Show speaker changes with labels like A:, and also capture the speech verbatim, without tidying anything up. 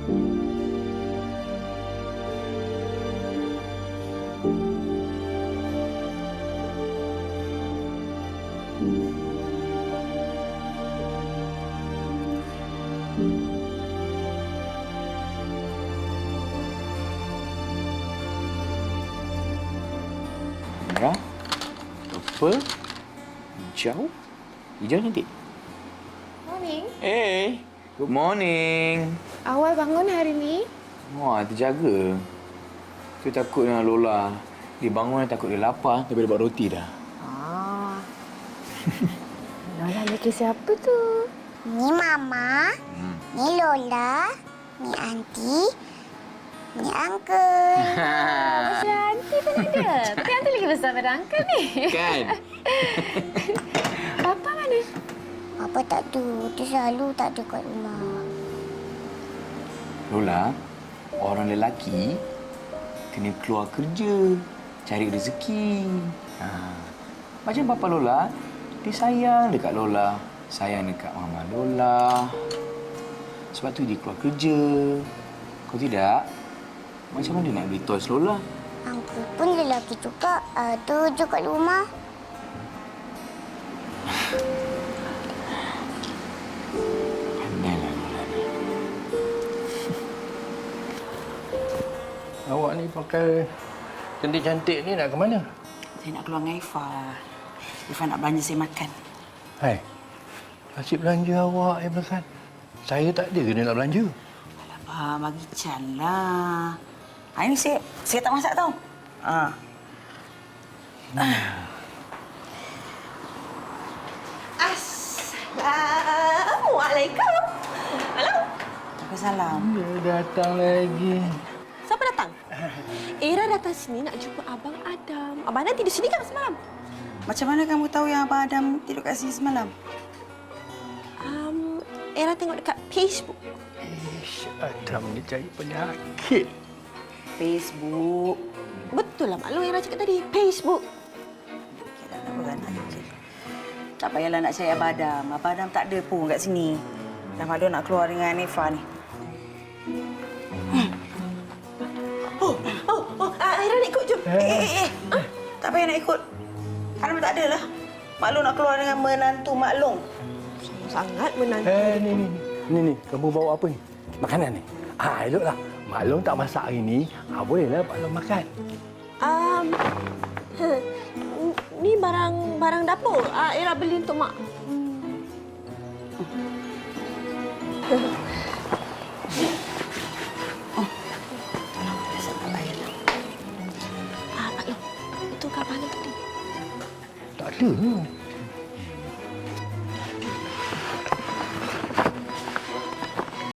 A: Merah, purple, hijau, hijau cantik.
B: Morning.
A: Hey, good morning.
B: Awal bangun hari ni?
A: Wah, terjaga. Tu takut dengan Lola. Dia bangun takut dia lapar, tapi dia buat roti dah.
B: Ah. Lola ni ke siapa tu?
C: Ni Mama, hmm. ni Lola, ni Aunty, ni Uncle.
B: Macam aunty pun ada. Tapi aunty lagi besar pada uncle ni.
A: Kan?
B: Papa mana?
C: Papa tak ada. Dia selalu tak ada kat rumah.
A: Lola, orang lelaki kena keluar kerja, cari rezeki. Ha. Macam Papa Lola, dia sayang dekat Lola. Sayang dekat Mama Lola. Sebab tu dia keluar kerja. Kalau tidak, macam mana dia nak beli toys Lola?
C: Uncle pun lelaki juga. Ada je kat rumah.
A: Pandailah Lola ni.
D: Awak ni pakai cantik-cantik ni nak ke mana?
E: Saya nak keluar dengan Ifah. Ifah nak belanja saya makan.
D: Hai, asyik belanja awak yang makan. Saya tak ada kena nak belanja.
E: Alamak, bagi Chan lah. Hari ni saya, saya tak masak tau. Ha.
F: Assalamualaikum. Halo.
E: Salam.
D: Dia datang lagi.
F: Siapa datang? Era datang sini nak jumpa Abang Adam. Abang Adam tidur sini kan semalam?
E: Macam mana kamu tahu yang Abang Adam tidur kat sini semalam?
F: Um, Era tengok dekat Facebook.
D: Ish, Adam ni cari penyakit.
E: Facebook.
F: Betul lah maklum Era cakap tadi. Facebook.
E: Okeylah, nak beranak je. Tak payahlah nak cari Abang Adam. Abang Adam tak ada pun kat sini. Dah maklum nak keluar dengan Ifah ni.
F: Oh, oh, oh. Uh, Era nak ikut jom.
E: Eh, eh, eh. Huh? Tak payah nak ikut. Adam tak ada lah. Maklum nak keluar dengan menantu maklum.
F: Sangat menantu.
D: Eh, ni, ni, ni. Ni, ni. Kamu bawa apa ni? Makanan ni? Ah, eloklah. Maklum tak masak hari ni. Ah, bolehlah maklum makan.
F: Um, ni barang barang dapur. Uh, Era beli untuk mak.
D: Tak ada.